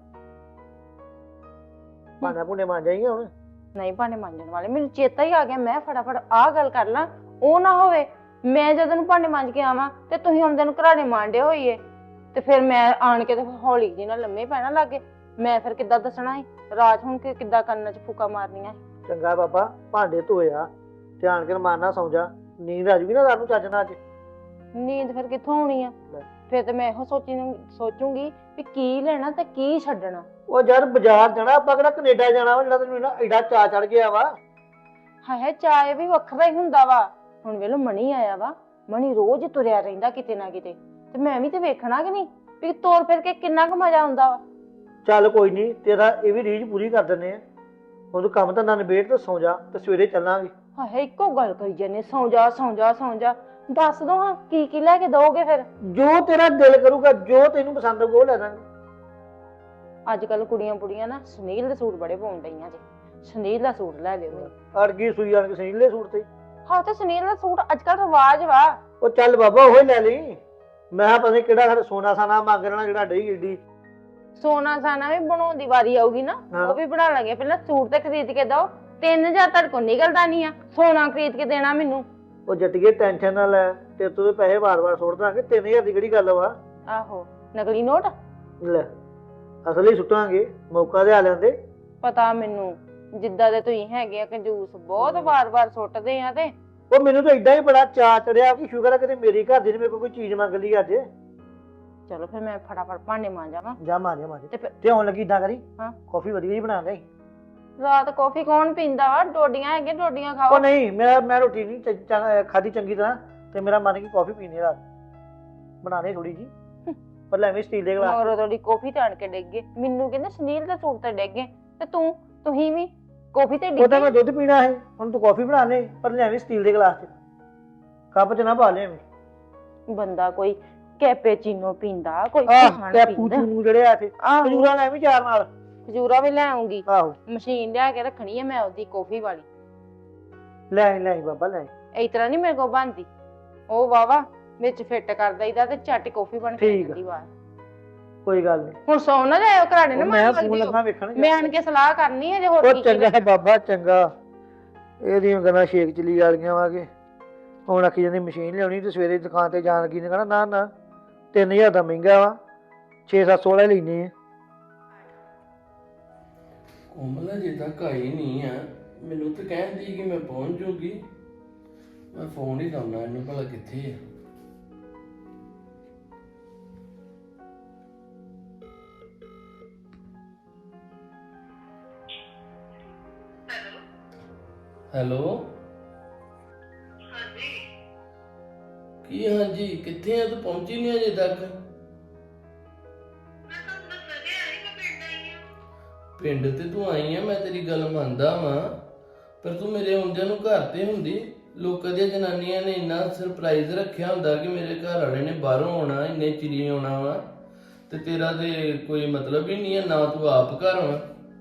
B: ਭਾਂਡਾ ਭੁੰਡੇ ਮਾਂਜ ਜਾਈਏ ਹੁਣ।
E: ਨਹੀਂ ਭਾਂਡੇ ਮਾਂਜਣ ਵਾਲੇ, ਮੈਨੂੰ ਚੇਤਾ ਹੀ ਆ ਗਿਆ, ਮੈਂ ਫਟਾਫਟ ਆਹ ਗੱਲ ਕਰ ਲਾਂ। ਉਹ ਨਾ ਹੋਵੇ ਮੈਂ ਜਦੋਂ ਨੂੰ ਭਾਂਡੇ ਮਾਂਜ ਕੇ ਆਵਾਂ ਤੇ ਤੁਸੀਂ ਆਉਂਦੇ ਨੂੰ ਘਰਾੜੇ ਮਾਂਡੇ ਹੋਈਏ, ਤੇ ਫਿਰ ਮੈਂ ਆਣ ਕੇ ਤੇ ਹੌਲੀ ਜੀ ਨਾਲ ਲੰਮੇ ਪੈਣਾ ਲੱਗੇ। ਮੈਂ ਫਿਰ ਕਿੱਦਾਂ ਦੱਸਣਾ ਸੀ ਰਾਤ ਹੁਣ ਕਿ ਕਿੱਦਾਂ ਕੰਨਾਂ 'ਚ ਫੂਕਾ ਮਾਰਨੀਆਂ।
B: ਚੰਗਾ ਬਾਬਾ, ਭਾਂਡੇ ਧੋਇਆ, ਧਿਆਨ ਕੇ ਮਾਰਨਾ, ਸੌਂ ਜਾ, ਨੀਂਦ ਆ ਜੂਗੀ ਨਾ ਰਾਤ ਨੂੰ ਚੱਜ ਨਾਲ। ਅੱਜ
E: ਨੀਂਦ ਫਿਰ ਕਿੱਥੋਂ ਆਉਣੀ ਆ? ਫਿਰ ਤੇ ਮੈਂ ਇਹੋ ਸੋਚੀ ਸੋਚੂਗੀ ਵੀ ਕੀ ਲੈਣਾ ਤੇ ਕੀ ਛੱਡਣਾ।
B: ਉਹ ਯਾਰ ਬਾਜ਼ਾਰ ਜਾਣਾ, ਆਪਾਂ ਕਿਹੜਾ ਕੈਨੇਡਾ ਜਾਣਾ ਵਾ ਜਿਹੜਾ ਤੈਨੂੰ ਨਾ ਐਡਾ ਚਾਅ ਚੜ ਗਿਆ ਵਾ।
E: ਹਾਏ ਚਾਏ ਵੀ ਵੱਖਰਾ ਹੀ ਹੁੰਦਾ ਵਾ। ਹੁਣ ਵੇਲੋ ਮਣੀ ਆਇਆ ਵਾ, ਮਣੀ ਰੋਜ਼ ਤੁਰਿਆ ਰਹਿੰਦਾ ਕਿਤੇ ਨਾ ਕਿਤੇ, ਤੇ ਮੈਂ ਵੀ ਤੇ ਵੇਖਣਾ ਕਿ ਨਹੀਂ ਵੀ ਤੋਰ ਫਿਰ ਕੇ ਕਿੰਨਾ ਕੁ ਮਜ਼ਾ ਆਉਂਦਾ ਵਾ।
B: ਚੱਲ ਕੋਈ ਨਹੀਂ, ਤੇਰਾ ਇਹ ਵੀ ਰੀਝ ਪੂਰੀ ਕਰ ਦਿੰਦੇ ਆ। ਹੁਣ ਕੰਮ ਤਾਂ ਨਾ ਨਿਬੇੜ ਤੇ ਸੌਂ ਜਾ, ਤੇ ਸਵੇਰੇ ਚੱਲਾਂਗੇ।
E: ਹਾਏ ਇੱਕੋ ਗੱਲ ਕਰੀ ਜਾਂਦੇ, ਸੌਂ ਜਾ ਸੌਂ ਜਾ ਸੌਂ ਜਾ। ਦੱਸ ਦੋ ਹਾਂ ਕੀ ਕੀ ਲੈ ਕੇ ਦੋਗੇ ਫਿਰ?
B: ਜੋ ਤੇਰਾ ਦਿਲ ਕਰੂਗਾ, ਜੋ ਤੈਨੂੰ ਪਸੰਦ ਹੋਊਗਾ ਉਹ ਲੈ ਦਾਂਗੇ।
E: ਅੱਜ ਕੱਲ ਕੁੜੀਆਂ ਕੁੜੀਆਂ ਨਾ ਸੁਨੀਲ ਦੇ ਸੂਟ ਬੜੇ ਪਾਉਣ ਡਈਆਂ ਜੇ, ਸੁਨੀਲ ਦਾ ਸੂਟ ਲੈ ਲਿਓ ਮੈਨੂੰ।
B: ਅੜਗੀ ਸੂਈ ਆਣ ਕੇ ਸੀਲੇ ਸੂਟ ਤੇ।
E: ਹਾਂ ਤੇ ਸੁਨੀਲ ਦਾ ਸੂਟ ਅੱਜ ਕੱਲ ਰਿਵਾਜ ਵਾ।
B: ਉਹ ਚੱਲ ਬਾਬਾ ਉਹ ਹੀ ਲੈ ਲਈ। ਮੈਂ ਕਿਹਾ ਪਤਾ ਨੀ ਕਿਹੜਾ ਸਾਡੇ ਸੋਨਾ ਸਾਨਾ ਮੰਗ ਲੈਣਾ ਜਿਹੜਾ ਡਈ ਏਡੀ।
E: ਸੋਨਾ ਸਾਨਾ ਵੀ ਬਣਾਉਣ ਦੀ ਵਾਰੀ ਆਊਗੀ ਨਾ, ਉਹ ਵੀ ਬਣਾ ਲਾਂਗੇ। ਪਹਿਲਾਂ ਸੂਟ ਤੇ ਖਰੀਦ ਕੇ ਦੋ, ਤਿੰਨ ਹਜ਼ਾਰ ਤੁਹਾਡੇ ਕੋਲ ਨਿਕਲਦਾ ਨਹੀਂ ਆ, ਸੋਨਾ ਖਰੀਦ ਕੇ ਦੇਣਾ ਮੈਨੂੰ।
B: ਉਹ ਜੱਟੀਏ ਟੈਨਸ਼ਨ ਨਾ ਲੈ, ਤੇ ਤੂੰ ਪੈਸੇ ਵਾਰ-ਵਾਰ ਸੁੱਟ ਦਾਂਗੇ। ਤਿੰਨ ਹਜ਼ਾਰ ਦੀ ਕਿਹੜੀ ਗੱਲ ਵਾ?
E: ਆਹੋ ਨਕਲੀ ਨੋਟ
B: ਲੈ ਅਸਲੀ ਸੁੱਟਾਂਗੇ, ਮੌਕਾ ਤੇ ਆ ਲੈਂਦੇ।
E: ਪਤਾ ਮੈਨੂੰ ਜਿੱਦਾਂ ਦੇ ਤੁਸੀਂ ਹੈਗੇ ਆ ਕੰਜੂਸ, ਬਹੁਤ ਵਾਰ-ਵਾਰ ਸੁੱਟਦੇ ਆ। ਤੇ
B: ਉਹ ਮੈਨੂੰ ਤਾਂ ਏਦਾਂ ਹੀ ਬੜਾ ਚਾਅ ਚੜਿਆ ਕਿ ਸ਼ੁਕਰ ਆ ਕਿਤੇ ਮੇਰੀ ਘਰ ਦੀ ਨੇ ਮੇਰੇ ਕੋਲ ਕੋਈ ਚੀਜ਼ ਮੰਗ ਲਈ ਅੱਜ।
E: ਚਲੋ ਫਿਰ ਮੈਂ ਫਟਾਫਟ ਭਾਂਡੇ ਮਾਂਜਾਂ।
F: ਜਾ ਮਾਰਿਆ ਮਾਰਿਆ
E: ਤੇ ਫਿਰ
F: ਤੇ ਆਉਣ ਲੱਗੀ ਇਦਾਂ ਕਰੀ
E: ਹਾਂ।
F: ਕਾਫੀ ਵਧੀਆ ਹੀ ਬਣਾ ਦੇ।
E: ਰਾਤ ਕੌਫੀ ਕੌਣ ਪੀਂਦਾ ਵਾ? ਡੋਡੀਆਂ ਹੈਗੇ, ਡੋਡੀਆਂ ਖਾਓ।
F: ਉਹ ਨਹੀਂ, ਮੇਰਾ ਮੈਂ ਰੋਟੀ ਨਹੀਂ ਚ- ਚ- ਖਾਧੀ ਚੰਗੀ ਤਰ੍ਹਾਂ ਤੇ ਮੇਰਾ ਮਨ ਕੀ ਕਾਫੀ ਪੀਣੀ ਰਾਤ ਬਣਾ ਦੇ ਥੋੜੀ ਜੀ, ਪਰ ਲੈ ਵੀ ਸਟੀਲ ਦੇ ਗਲਾਸ।
E: ਮਗਰੋਂ ਤੁਹਾਡੀ ਕੌਫੀ ਤੇ ਆਣ ਕੇ ਡਿੱਗ ਗਏ। ਮੈਨੂੰ ਕਹਿੰਦੇ ਸੁਨੀਲ ਦੇ ਸੂਟ ਤੇ ਡਿੱਗ ਗਏ ਤੇ ਤੂੰ ਤੁਸੀਂ ਵੀ ਕੌਫੀ ਤੇ
F: ਉਹ
E: ਡਿੱਗ
F: ਤਾਂ ਮੈਂ
E: ਗਏ।
F: ਦੁੱਧ ਪੀਣਾ ਹੈ, ਹੁਣ ਤੂੰ ਕਾਫੀ ਬਣਾ ਲੈ, ਪਰ ਲੈ ਵੀ ਸਟੀਲ ਦੇ ਗਲਾਸ ਚ, ਕੱਪ ਚ ਨਾ ਪਾ ਲੈ।
E: ਬੰਦਾ ਕੋਈ ਕੈਪੇਚੀਨੋ ਪੀਂਦਾ, ਕੋਈ
F: ਆਹ
E: ਖਾਣ
F: ਕੈਪੂ
E: ਪੀਂਦਾ।
F: ਚੂਨੂ ਜਿਹੜੇ ਆ ਤੇ
E: ਆਹੋ
F: ਖਜੂਰਾ ਲੈ ਵੀ ਚਾਰ ਨਾਲ।
E: ਖਜੂਰਾ ਵੀ ਲੈ ਆਉਂਗੀ,
F: ਆਹੋ
E: ਮਸ਼ੀਨ ਲਿਆ ਕੇ ਰੱਖਣੀ ਹੈ ਮੈਂ ਉਹਦੀ ਕੌਫੀ ਵਾਲੀ।
F: ਲੈ ਆਈ, ਲੈ ਆਈ ਬਾਬਾ ਲੈ ਆਈ।
E: ਇਸ ਤਰ੍ਹਾਂ ਨਹੀਂ ਮੇਰੇ ਕੋਲ ਬਣਦੀ। ਉਹ ਵਾਵਾ ਵਿੱਚ ਫਿੱਟ ਕਰ ਦਈਦਾ ਤੇ ਝੱਟ ਕੌਫੀ ਬਣ ਕੇ
F: ਠੀਕ ਆ।
E: ਜਾਂਦੀ ਬਾਹਰ।
F: ਕੋਈ ਗੱਲ ਨਹੀਂ,
E: ਹੁਣ ਸੌ ਨਾ ਜਾਇਓ ਘਰਾੜੇ ਨਾ
F: ਮੈਂ
E: ਮਾਰ
F: ਫੋਨ
E: ਵਰਦੀ
F: ਲੱਗਾ ਵੇਖਣ।
E: ਮੈਂ ਆਣ ਕੇ ਸਲਾਹ ਕਰਨੀ ਹੈ ਜੇ ਹੋਰ
F: ਉਹ
E: ਕੀ
F: ਚੰਗਾ
E: ਕਰਾਂ।
F: ਹੈ ਬਾਬਾ ਚੰਗਾ, ਇਹਦੀਆਂ ਗੱਲਾਂ ਛੇਕ ਚਲੀ ਵਾਲੀਆਂ ਵਾਗੇ। ਹੁਣ ਆਖੀ ਜਾਂਦੀ ਮਸ਼ੀਨ ਲਿਆਉਣੀ ਤੇ ਸਵੇਰੇ ਦੁਕਾਨ ਤੇ ਜਾਣ ਲੱਗੀ ਨੇ ਕਹਿਣਾ ਨਾ ਨਾ ਤਿੰਨ ਹਜ਼ਾਰ ਦਾ ਮਹਿੰਗਾ ਵਾ, ਛੇ ਸੱਤ ਸੌ ਵਾਲੇ ਲੈਣੇ ਆ।
D: ਕੋਮਲ ਅਜੇ ਤੱਕ ਆਈ ਨਹੀਂ ਆ। ਮੈਨੂੰ ਤਾਂ ਕਹਿੰਦੀ ਕਿ ਮੈਂ ਪਹੁੰਚ ਜੂਗੀ। ਮੈਂ ਫੋਨ ਹੀ ਲਾਉਣਾ ਇਹਨੂੰ, ਭਲਾ ਕਿੱਥੇ ਆ। ਹੈਲੋ
G: ਹਾਂਜੀ
D: ਕੀ ਹਾਂਜੀ ਕਿੱਥੇ ਆ? ਤੂੰ ਪਹੁੰਚੀ ਨਹੀਂ ਅਜੇ ਤੱਕ।
G: ਮੈਂ ਤੁਹਾਨੂੰ ਦੱਸਿਆ ਤੇ ਆਈ ਮੈਂ ਪਿੰਡ ਆਈ ਹਾਂ।
D: ਪਿੰਡ ਤੇ ਤੂੰ ਆਈ ਆ, ਮੈਂ ਤੇਰੀ ਗੱਲ ਮੰਨਦਾ ਵਾਂ, ਪਰ ਤੂੰ ਮੇਰੇ ਆਉਂਦਿਆਂ ਨੂੰ ਘਰ ਤੇ ਹੁੰਦੀ। ਲੋਕਾਂ ਦੀਆਂ ਜਨਾਨੀਆਂ ਨੇ ਇੰਨਾ ਸਰਪ੍ਰਾਈਜ਼ ਰੱਖਿਆ ਹੁੰਦਾ ਕਿ ਮੇਰੇ ਘਰ ਵਾਲੇ ਨੇ ਬਾਹਰੋਂ ਆਉਣਾ, ਇੰਨੇ ਚਿਰੀ ਆਉਣਾ ਵਾ, ਤੇ ਤੇਰਾ ਤੇ ਕੋਈ ਮਤਲਬ ਹੀ ਨਹੀਂ ਹੈ, ਨਾ ਤੂੰ ਆਪ ਘਰ ਵਾ।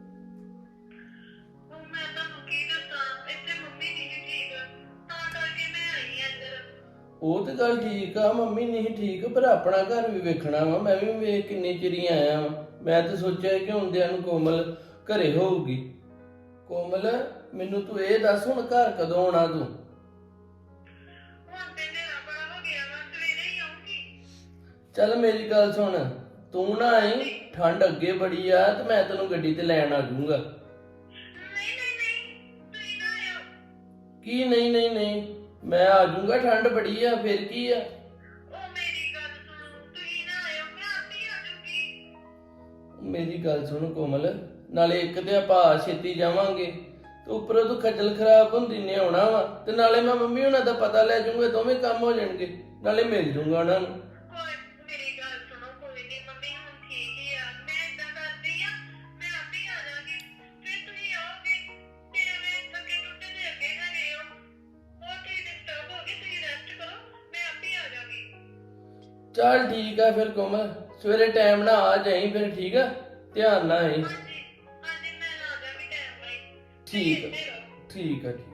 G: ਉਹ ਮੈਂ ਤੁਹਾਨੂੰ ਕੀ ਦੱਸਾਂ, ਇੱਥੇ ਮੰਮੀ ਨਹੀਂ ਸੀ ਠੀਕ, ਤਾਂ ਕਰਕੇ ਮੈਂ ਆਈ ਹਾਂ ਇੱਧਰ।
D: ਉਹ ਤੇ ਗੱਲ ਠੀਕ ਆ, ਮੰਮੀ ਨਹੀਂ ਠੀਕ, ਪਰ ਆਪਣਾ ਘਰ ਵੀ ਵੇਖਣਾ ਵਾ। ਮੈਂ ਵੀ ਵੇਖ ਕਿੰਨੀ ਚਿਰੀ ਆਇਆ ਵਾਂ। ਮੈਂ ਤਾਂ ਸੋਚਿਆ ਕਿ ਹੁੰਦਿਆਂ ਨੂੰ ਕੋਮਲ ਘਰੇ ਹੋਊਗੀ। ਕੋਮਲ ਮੈਨੂੰ ਤੂੰ ਇਹ ਦੱਸ, ਹੁਣ ਘਰ ਕਦੋਂ ਆਉਣਾ ਤੂੰ?
G: ਹੁਣ ਤੇ ਮੇਰਾ ਬੜਾ ਹੋ ਗਿਆ ਵਾ, ਸਵੇਰੇ ਹੀ ਆਉਂਗੀ।
D: ਚੱਲ ਮੇਰੀ ਗੱਲ ਸੁਣ, ਤੂੰ ਨਾ ਆਈ, ਠੰਡ ਅੱਗੇ ਬੜੀ ਆ, ਤੇ ਮੈਂ ਤੈਨੂੰ ਗੱਡੀ ਤੇ ਲੈਣ ਆ ਜਾਊਂਗਾ।
G: ਨਹੀਂ ਨਹੀਂ ਨਹੀਂ ਤੁਸੀਂ ਨਾ ਆਇਓ।
D: ਕੀ ਨਹੀਂ ਨਹੀਂ ਨਹੀਂ, ਮੈਂ ਆ ਜਾਊਂਗਾ, ਠੰਡ ਬੜੀ ਆ, ਫਿਰ ਕੀ ਆ।
G: ਉਹ ਮੇਰੀ ਗੱਲ ਸੁਣੋ, ਤੁਸੀਂ ਨਾ ਆਇਓ, ਮੈਂ ਆਪੇ ਆ ਜਾਊਂਗੀ।
D: ਮੇਰੀ ਗੱਲ ਸੁਣ ਕੋਮਲ, ਨਾਲੇ ਇੱਕ ਤੇ ਆਪਾਂ ਛੇਤੀ ਜਾਵਾਂਗੇ, ਤੇ ਉੱਪਰੋਂ ਤੂੰ ਖੱਜਲ ਖਰਾਬ ਹੁੰਦੀ ਨੇ ਆਉਣਾ ਵਾ, ਤੇ ਨਾਲੇ ਮੈਂ ਮੰਮੀ ਉਹਨਾਂ ਦਾ ਪਤਾ ਲੈ ਜਾਊਂਗਾ, ਦੋਵੇਂ ਕੰਮ ਹੋ ਜਾਣਗੇ, ਨਾਲੇ ਮਿਲ ਜਾਊਂਗਾ ਉਹਨਾਂ ਨੂੰ।
G: ਕੋਈ ਮੇਰੀ ਗੱਲ ਸੁਣੋ, ਕੋਈ ਨਹੀਂ ਮੰਮੀ ਹੁਣ ਠੀਕ ਹੀ ਆ। ਮੈਂ ਏਦਾਂ ਕਰਦੀ ਆ, ਮੈਂ ਆਪੇ ਆ ਜਾਵਾਂਗੀ। ਫਿਰ ਤੁਸੀਂ ਆਓਗੇ ਤੇ ਐਵੇਂ ਥੱਕੇ ਟੁੱਟੇ ਦੇ ਅੱਗੇ ਹੈਗੇ ਹੋ, ਹੋਰ ਤੁਸੀਂ ਡਿਸਟਰਬ ਹੋ ਗਏ, ਤੁਸੀਂ ਰੈਸਟ ਕਰੋ, ਮੈਂ ਆਪੇ ਆ ਜਾਵਾਂਗੀ।
D: ਚੱਲ ਠੀਕ ਆ ਫਿਰ ਕੋਮਲ, ਸਵੇਰੇ ਟਾਈਮ ਨਾਲ ਆ ਜਾਈਂ ਫਿਰ, ਠੀਕ ਆ, ਧਿਆਨ ਨਾਲ ਆਈ।
G: ਹਾਂਜੀ ਹਾਂਜੀ ਮੈਂ ਆ ਜਾਵਾਂਗੀ ਟਾਈਮ ਨਾਲ ਹੀ।
D: ਠੀਕ ਆ
G: ਇੱਥੇ ਰਹੋ।
D: ਠੀਕ ਆ ਠੀਕ।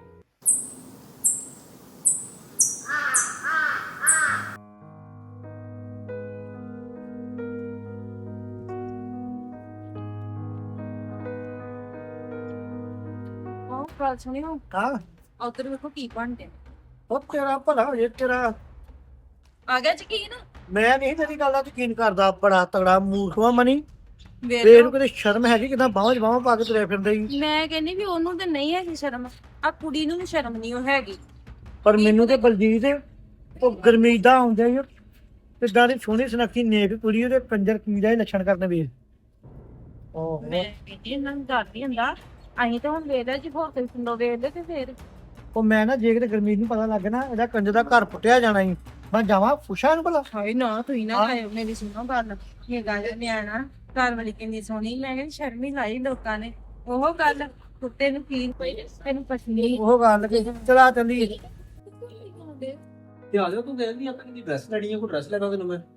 A: ਉਹ ਗੱਲ ਸੁਣਿਓ,
F: ਹਾਂ
A: ਉਧਰ ਵੇਖੋ ਕੀ ਬਣਦੇ।
F: ਉਹ ਤੇਰਾ ਭਲਾ ਹੋ ਜੇ ਤੇਰਾ।
A: ਆ ਗਿਆ ਯਕੀਨ?
F: ਮੈਂ ਨਹੀਂ ਤੇਰੀ ਗੱਲ ਦਾ ਯਕੀਨ ਕਰਦਾ, ਬੜਾ ਤਗੜਾ ਮੂਰਖ ਵਾ ਮਨੀ।
A: ਵੇਖ
F: ਤੇ
A: ਲਓ।
F: ਇਹਨੂੰ ਕਿਤੇ ਸ਼ਰਮ ਹੈਗੀ, ਕਿਦਾਂ ਬਾਹਾਂ 'ਚ ਬਾਹਾਂ ਪਾ ਕੇ ਤੁਰਿਆ ਫਿਰਦਾ ਹੀ।
A: ਮੈਂ ਕਹਿੰਦੀ ਵੀ ਉਹਨੂੰ ਤੇ ਨਹੀਂ ਹੈਗੀ ਸ਼ਰਮ, ਆ ਕੁੜੀ ਨੂੰ ਵੀ ਸ਼ਰਮ ਨਹੀਂ ਉਹ ਹੈਗੀ।
F: ਪਰ ਮੈਨੂੰ ਤੇ ਬਲਜੀਤ ਉਹ ਗਰਮੀਦਾ ਆਉਂਦਾ ਹੀ ਕਿੱਦਾਂ ਦੀ ਸੋਹਣੀ ਸੁਨੱਖੀ ਨੇਕ ਕੁੜੀ, ਉਹਦੇ ਕੰਜਰ ਕੀ ਦਾ ਹੀ ਲੱਛਣ ਕਰਨ ਵੇਖ। ਓਹ
A: ਮੈਂ ਕਹਿੰਦੀ ਇਹਨਾਂ ਨੂੰ ਡਰ ਨਹੀਂ ਹੁੰਦਾ। ਅਸੀਂ ਤਾਂ ਹੁਣ ਵੇਖਦੇ ਜੀ ਹੋਰ ਕੋਈ ਸੁਣੋ ਵੇਖਦੇ ਤੇ ਫੇਰ
F: ਉਹ ਮੈਂ ਨਾ ਜੇ ਕਿਤੇ ਗਰਮੀਤ ਨੂੰ ਪਤਾ ਲੱਗ ਨਾ, ਇਹਦਾ ਕੰਜਰ ਦਾ ਘਰ ਪੁੱਟਿਆ ਜਾਣਾ ਹੀ। ਮੈਂ ਜਾਵਾਂ ਪੁੱਛਾਂ ਇਹਨੂੰ ਭਲਾ।
A: ਹਾਏ ਨਾ ਤੁਸੀਂ ਨਾ
F: ਹਾਂ।
A: ਖਾਇਓ, ਮੇਰੀ ਸੁਣੋ ਗੱਲ। ਇਹ ਗੱਲ ਨਿਆਣਾ ਘਰ ਵਾਲੀ ਕਿੰਨੀ ਸੋਹਣੀ, ਮੈਂ ਕਹਿੰਦੀ ਸ਼ਰਮ ਹੀ ਲਾਈ ਲੋਕਾਂ ਨੇ। ਉਹ ਗੱਲ ਕੁੱਤੇ ਨੂੰ ਕੀ ਤੈਨੂੰ ਪਸੰਦ
F: ਉਹ ਗੱਲ ਕਿ ਚਲਾ ਚੱਲੀ।
B: ਤੇ ਆ ਜਾ, ਤੂੰ ਕਹਿੰਦੀ ਆ ਕਿ ਡਰੈਸ ਲੈਣੀ ਆ, ਕੋਈ ਡਰੈਸ ਲੈਣਾ ਤੈਨੂੰ ਮੈਂ।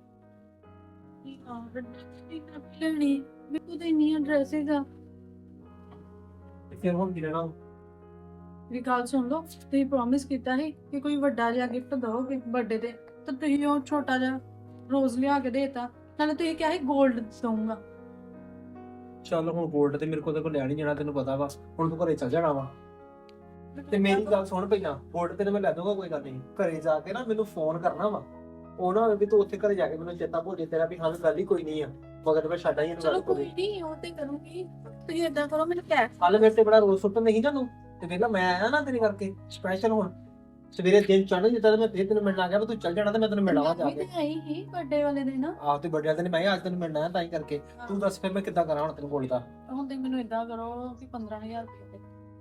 A: ਲੈਣੀ ਮੇਰੇ ਕੋਲ ਤਾਂ ਇੰਨੀਆਂ ਡਰੈਸਿਸ ਆ।
B: ਤੇ ਫਿਰ ਹੁਣ ਕੀ ਲੈਣਾ?
H: ਵੀ ਗੱਲ ਸੁਣ ਲਓ, ਤੁਸੀਂ ਪ੍ਰੋਮਿਸ ਕੀਤਾ ਸੀ ਕਿ ਕੋਈ ਵੱਡਾ ਜਿਹਾ ਗਿਫਟ ਦੋਗੇ ਬਰਥਡੇ ਤੇ, ਤਾਂ ਤੁਸੀਂ ਉਹ ਛੋਟਾ ਜਿਹਾ ਰੋਜ਼ ਲਿਆ ਕੇ ਦੇਤਾ। ਨਾਲੇ ਤੁਸੀਂ ਕਿਹਾ ਸੀ 골ਡ ਦਊਂਗਾ।
B: ਚੱਲ ਹੁਣ ਗੋਲਡ ਤੇ ਮੇਰੇ ਕੋਲ ਤੇ ਕੋਈ ਲੈਣ ਹੀ ਜਾਣਾ, ਤੈਨੂੰ ਪਤਾ ਵਾ। ਹੁਣ ਤੂੰ ਘਰੇ ਚੱਲ ਜਾਣਾ ਵਾ। ਤੇ ਮੇਰੀ ਗੱਲ ਸੁਣ ਪਹਿਲਾਂ, ਗੋਲਡ ਤੇ ਮੈਂ ਲੈ ਦੂੰਗਾ, ਕੋਈ ਗੱਲ ਨਹੀਂ। ਘਰੇ ਜਾ ਕੇ ਨਾ ਮੈਨੂੰ ਫੋਨ ਕਰਨਾ ਵਾ। ਉਹ ਨਾ ਹੋਵੇ ਵੀ ਤੂੰ ਉੱਥੇ ਘਰੇ ਜਾ ਕੇ ਮੈਨੂੰ ਚੇਤਾ ਭੁੱਲ ਜੇ ਤੇਰਾ ਵੀ ਹਾਂ ਗੱਲ ਹੀ ਕੋਈ ਨਹੀਂ ਆ, ਮਗਰ ਮੈਂ ਛੱਡਾਂ ਹੀ ਇਹਨੂੰ
H: ਚਲੋ
B: ਗੱਲ
H: ਕੋਈ
B: ਕੋਈ।
H: ਨਹੀਂ, ਉਹ ਤੇ ਕਰੂੰਗੀ। ਤੁਸੀਂ ਏਦਾਂ ਕਰੋ, ਮੈਨੂੰ ਕੈਸ਼
B: ਕੱਲ ਮੇਰੇ ਤੇ ਬੜਾ ਰੋਸ ਸੁੱਟ ਨਹੀਂ ਜਾਨੂੰ, ਤੇ ਵੇਲਾ ਮੈਂ ਆਇਆ ਨਾ ਤੇਰੇ ਕਰਕੇ ਸਪੈਸ਼ਲ ਹੁਣ। ਸਵੇਰੇ ਦਿਨ ਚੜ੍ਹ ਜਿੱਦਾਂ ਤੇ ਮੈਂ ਫੇਰ ਤੈਨੂੰ ਮਿਲਣ ਆ ਗਿਆ, ਤੂੰ ਚੱਲ ਜਾਣਾ ਤੇ ਮੈਂ ਤੈਨੂੰ ਮਿਲਾਵਾ ਜਾ
H: ਮੈਂ
B: ਕੇ।
H: ਵੀ ਤੇ ਆਈ ਹੀ ਬਰਥਡੇ ਵਾਲੇ ਦਿਨ।
B: ਆਹ ਤੇ ਵੱਡਿਆਂ ਦਿਨ ਮੈਂ ਕਿਹਾ ਅੱਜ ਤੈਨੂੰ ਮਿਲਣਾ ਹੈ ਤਾਂ ਹੀ ਕਰਕੇ। ਤੂੰ ਦੱਸ ਫਿਰ ਮੈਂ ਕਿੱਦਾਂ ਕਰਾਂ ਹੁਣ ਤੈਨੂੰ ਕੋਲ ਦਾ
H: ਹੁਣ ਤੇ ਮੈਨੂੰ ਇਦਾਂ ਕਰੋ ਕਿ ਪੰਦਰਾਂ ਹਜ਼ਾਰ ਰੁਪਏ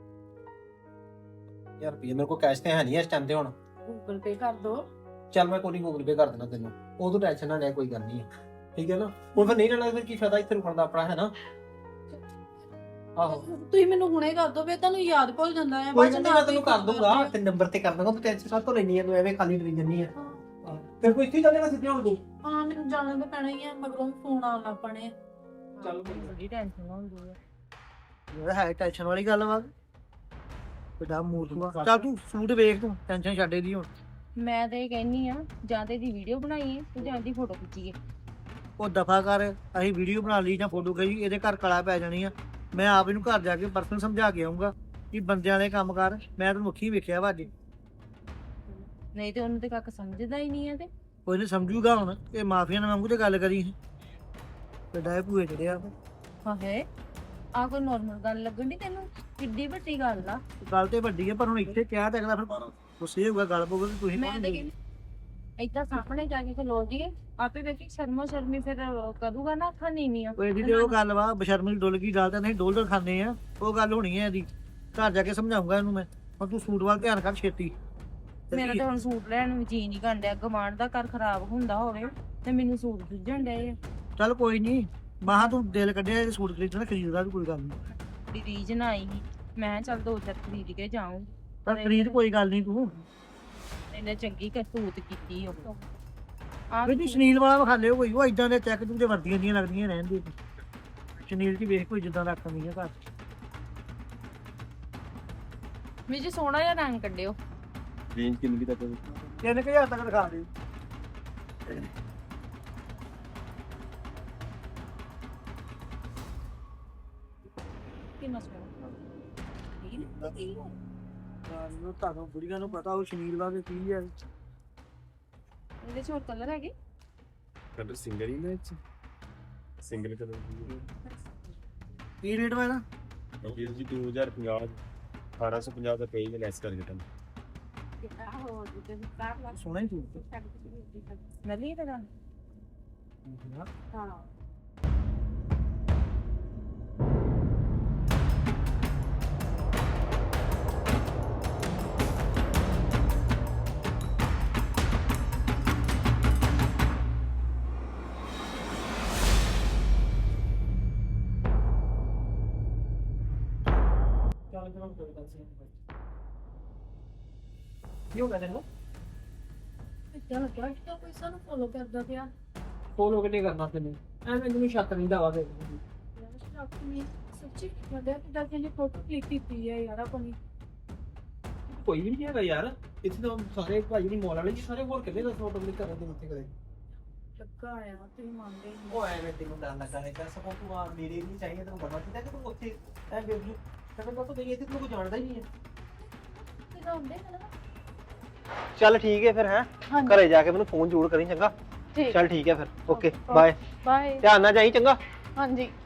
B: ਯਾਰ ਰੁਪਈਏ ਮੇਰੇ ਕੋਲ ਕੈਸ਼ ਤੇ ਹੈ ਨਹੀਂ ਇਸ ਟਾਈਮ ਤੇ ਹੁਣ।
H: ਗੂਗਲ ਪੇ ਕਰ ਦੋ।
B: ਚੱਲ ਮੈਂ ਕੋਈ ਨਹੀਂ ਗੂਗਲ ਪੇ ਕਰ ਦੇਣਾ ਤੈਨੂੰ, ਉਹ ਤੂੰ ਟੈਨਸ਼ਨ ਨਾ ਲੈ, ਕੋਈ ਗੱਲ ਨਹੀਂ ਹੈ, ਠੀਕ ਹੈ ਨਾ। ਹੁਣ ਫਿਰ ਨਹੀਂ ਲੈਣਾ ਫਿਰ ਕੀ ਫਾਇਦਾ ਇੱਥੇ ਰੁਕਣ ਦਾ ਆਪਣਾ, ਹੈ ਨਾ। ਆਹੋ
H: ਤੁਸੀਂ ਮੈਨੂੰ ਹੁਣੇ ਕਰ ਦੋ, ਫੇਰ ਤੁਹਾਨੂੰ ਯਾਦ ਭੁੱਲ ਜਾਂਦਾ ਹੈ।
B: ਕੋਈ ਗੱਲ ਨਹੀਂ, ਮੈਂ ਤੈਨੂੰ ਕਰ ਦੂੰਗਾ, ਤੇ ਨੰਬਰ ਤੇ ਕਰ ਦੂੰਗਾ, ਤੂੰ ਟੈਨਸ਼ਨ ਕਾਹ ਤੋਂ ਲੈਣੀ ਹੈ, ਤੂੰ ਐਵੇਂ ਖਾਲੀ ਡਰੀ ਜੰਨੀ ਹੈ। ਫਿਰ ਕੋਈ ਇੱਥੇ ਚੱਲੇਗਾ ਸਿੱਧੇ ਹੁਣ ਤੂੰ।
H: ਹਾਂ ਮੈਨੂੰ ਜਾਣਾ ਤਾਂ ਪੈਣਾ ਹੀ ਹੈ, ਮਗਰੋਂ ਫੋਨ ਆਉਣ ਲੱਗ ਪਣੇ।
B: ਚੱਲ
E: ਬੜੀ ਟੈਨਸ਼ਨ ਹੁੰਦੀ ਹੈ।
F: ਇਹ ਹੈ ਟੈਨਸ਼ਨ ਵਾਲੀ ਗੱਲ ਵਾ, ਬੜਾ ਮੂਰਖ। ਚੱਲ ਤੂੰ ਸੂਟ ਵੇਖ, ਤੂੰ ਟੈਨਸ਼ਨ ਛੱਡ ਇਹਦੀ ਹੁਣ।
E: ਮੈਂ ਤੇ ਇਹ ਕਹਿੰਨੀ ਆ ਜਾਂ ਤੇ ਇਹਦੀ ਵੀਡੀਓ ਬਣਾਈਏ ਤੇ ਜਾਂ ਇਹਦੀ ਫੋਟੋ ਖਿੱਚੀਏ।
F: ਉਹ ਦਫਾ ਕਰ, ਅਸੀਂ ਵੀਡੀਓ ਬਣਾ ਲਈ ਜਾਂ ਫੋਟੋ ਖਿੱਚੀ, ਇਹਦੇ ਘਰ ਕਲਾ ਪੈ ਜਾਣੀ ਆ। ਮੈਂ ਆਪ ਇਹਨੂੰ ਘਰ ਜਾ ਕੇ ਪਰਸਨਲ ਸਮਝਾ ਕੇ ਆਉਂਗਾ ਕਿ ਬੰਦਿਆਂ ਵਾਲੇ ਕੰਮ ਕਰ। ਮੈਂ ਤਾਂ ਮੁੱਖੀ ਵੇਖਿਆ ਵਾ ਅੱਜ।
E: ਨਹੀਂ ਤੇ ਉਹਨੂੰ ਤੇ ਕੱਖ ਸਮਝਦਾ ਹੀ ਨਹੀਂ ਹੈ ਤੇ
F: ਕੋਈ ਨਹੀਂ ਸਮਝੂਗਾ ਹੁਣ। ਇਹ ਮਾਫੀਆਂ ਨਾਲ ਵਾਂਗੂ ਤੇ ਗੱਲ ਕਰੀ ਵੱਡਾ ਇਹ ਭੂਏ ਚੜਿਆ।
E: ਹਾਏ ਆ ਕੋਈ ਨੋਰਮਲ ਗੱਲ ਲੱਗਣ ਦੀ ਤੈਨੂੰ? ਕਿੱਡੀ ਵੱਡੀ ਗੱਲ ਆ।
F: ਗੱਲ ਤੇ ਵੱਡੀ ਹੈ ਪਰ ਹੁਣ ਇੱਥੇ ਕਿਹਾ ਤਾਂ ਅਗਲਾ ਫਿਰ ਗੁੱਸੇ ਹੋਊਗਾ, ਗੱਲ ਪਊਗਾ ਕਿ ਤੁਸੀਂ
E: ਮੈਂ
F: ਕੌਣ
E: ਤੇ
F: ਜੀ।
E: ਕਹਿੰਦੀ ਏਦਾਂ ਸਾਹਮਣੇ ਜਾ ਕੇ ਖਲੋ ਜੀਏ, ਆਪੇ ਵੇਖੀ ਸ਼ਰਮੋ ਸ਼ਰਮੀ ਫਿਰ ਕਰੂਗਾ ਨਾ, ਅੱਖਾਂ ਨੀਵੀਆਂ।
F: ਉਹ ਇਹਦੀ ਤੇ ਉਹ ਗੱਲ ਵਾ, ਬਸ਼ਰਮੀ ਡੁੱਲ ਗਈ ਗੱਲ ਤਾਂ ਨਹੀਂ, ਡੋਲ ਡੋਲ ਖਾਂਦੇ ਆ, ਉਹ ਗੱਲ ਹੋਣੀ ਹੈ ਇਹਦੀ। ਘਰ ਜਾ ਕੇ ਸਮਝਾਉਂਗਾ ਇਹਨੂੰ ਮੈਂ। ਹੁਣ ਤੂੰ ਸੂਟ ਵੱਲ ਧਿਆਨ ਕਰ ਛੇਤੀ।
E: ਮੇਰਾ ਤਾਂ ਹੁਣ ਸੂਟ ਲੈਣ ਨੂੰ ਜੀ ਨਹੀਂ ਕਰਦਾ। ਗਵਾਂਢ ਦਾ ਘਰ ਖਰਾਬ ਹੁੰਦਾ ਹੋਵੇ ਤੇ ਮੈਨੂੰ ਸੂਟ ਸੁੱਝਣ ਡਏ ਆ।
F: ਚੱਲ ਕੋਈ ਨਹੀਂ, ਮਾਹਾਂ ਤੂੰ ਦਿਲ ਕੱਢਿਆ ਇਹ ਸੂਟ ਖਰੀਦਣਾ, ਖਰੀਦਦਾ ਵੀ ਕੋਈ ਗੱਲ ਨਹੀਂ।
E: ਬੜੀ ਰੀਝ ਨਾ ਆਈ ਸੀ, ਮੈਂ ਕਿਹਾ ਚੱਲ ਦੋ ਚਾਰ ਖਰੀਦ ਕੇ ਜਾਊਂ।
F: ਪਰ ਖਰੀਦ ਕੋਈ ਗੱਲ ਨਹੀਂ ਤੂੰ।
E: ਇਹਨੇ ਚੰਗੀ ਕਰਤੂਤ ਕੀਤੀ ਉਹ।
F: ਵੀ ਸ਼ਨੀਲ ਵਾਲਾ ਵਿਖਾ ਲਿਓ ਕੋਈ, ਉਹ ਇਦਾਂ ਦੇ ਚੈੱਕ ਤੂੰ ਤੇ ਵਰਦੀਆਂ ਦੀਆਂ ਲੱਗਦੀਆਂ ਰਹਿੰਦੀ। ਸ਼ਨੀਲ ਦੀ ਵੇਖ ਕੋਈ ਜਿੱਦਾਂ ਦਾ ਰੱਖਣੀ ਆ ਘਰ।
E: ਵੀ ਜੀ ਸੋਹਣਾ ਜਿਹਾ ਰੰਗ ਕੱਢਿਓ।
I: ਰੇਂਜ ਕਿੰਨੀ ਤੱਕ?
F: ਤਿੰਨ ਕੁ ਹਜ਼ਾਰ ਤੱਕ ਦਿਖਾ ਦੇ।
E: ਕਿੰਨਾ ਸੋਹਣਾ।
F: ਤੁਹਾਨੂੰ ਤੁਹਾਨੂੰ ਬੁੜੀਆਂ ਨੂੰ ਪਤਾ ਉਹ ਸ਼ਨੀਲ ਵਾਲੇ ਕੀ ਹੈ।
E: ਇਹਦੇ ਚ ਹੋਰ ਕਲਰ ਹੈਗੇ?
I: ਕਲਰ ਸਿੰਗਲ ਹੀ ਨਾ ਚ ਸਿੰਗਲ ਕਲਰ ਦੀ
F: ਕੀ ਰੇਟ ਵਾ ਇਹਦਾ?
I: ਵੀਰ ਜੀ ਦੋ ਹਜ਼ਾਰ ਪੰਜਾਹ ਅਠਾਰਾਂ ਸੌ ਪੰਜਾਹ ਦਾ ਪਈ ਲੈਸ ਕਰਕੇ ਤੁਹਾਨੂੰ।
F: ਸੋਹਣਾ ਹੀ ਸੂਟ।
E: ਮੈਂ ਲਈ ਤੇਰਾ। ਹਾਂ
B: ਕੀ ਹੋ ਗਿਆ ਤੈਨੂੰ?
H: ਇਦਾਂ ਲੱਗਿਆ ਕਿ ਕੋਈ ਸਾਨੂੰ ਫੋਲੋ ਕਰਦਾ ਪਿਆ।
B: ਫੋਲੋ ਕਿੰਨੇ ਕਰਨਾ ਤੈਨੂੰ? ਐਵੇਂ ਮੈਨੂੰ ਸ਼ੱਕ ਨਹੀਂ ਦਾਵਾ ਦੇ।
H: ਯਾਰ ਆਪਣੀ ਸੱਚੀ ਕਹਿੰਦਾ ਕਿ ਦਾ ਕਿ ਫੋਟੋ ਕਲਿੱਕ ਕੀਤੀ ਹੈ ਯਾਰ ਆਪਣੀ।
B: ਕੋਈ ਵੀ ਨਹੀਂ ਹੈਗਾ ਯਾਰ ਇੱਥੇ ਤਾਂ ਸਾਰੇ ਭਾਈ ਨਹੀਂ ਮੌਲ ਵਾਲੇ ਜੀ, ਸਾਰੇ ਹੋਰ ਕਿੰਨੇ ਦਾ ਫੋਟੋ ਕਲਿੱਕ ਕਰਨ ਦੇ ਉੱਤੇ ਕਰੇ।
H: ਲੱਗਾ ਆ ਤੁਸੀਂ ਮੰਨਦੇ ਨਹੀਂ।
B: ਉਹ ਐਵੇਂ ਤੈਨੂੰ ਡਰ ਲੱਗਾ ਹੈ ਤਾਂ ਸਭ ਤੂੰ ਆ ਮੇਰੇ ਨਹੀਂ ਚਾਹੀਏ ਤੈਨੂੰ ਬਣਾ ਚਾਹੀਦਾ ਕਿ ਤੂੰ ਉੱਥੇ ਐ ਬੇਬੂ ਕਹਿੰਦਾ ਤਾਂ ਤੂੰ ਗਈ ਇੱਥੇ ਤੈਨੂੰ ਕੋਈ ਜਾਣਦਾ ਹੀ ਨਹੀਂ ਹੈ।
H: ਕਿਦਾਂ ਹੁੰਦੇ ਹਨ?
B: ਚੱਲ ਠੀਕ ਹੈ ਫਿਰ, ਹੈ
H: ਹਾਂਜੀ
B: ਘਰੇ ਜਾ ਕੇ ਮੈਨੂੰ ਫੋਨ ਜ਼ਰੂਰ ਕਰੀ, ਚੰਗਾ?
H: ਠੀਕ।
B: ਚੱਲ ਠੀਕ ਹੈ ਫਿਰ, ਓਕੇ ਬਾਏ।
H: ਬਾਏ।
B: ਧਿਆਨ ਨਾਲ ਜਾਈ, ਚੰਗਾ?
H: ਹਾਂਜੀ।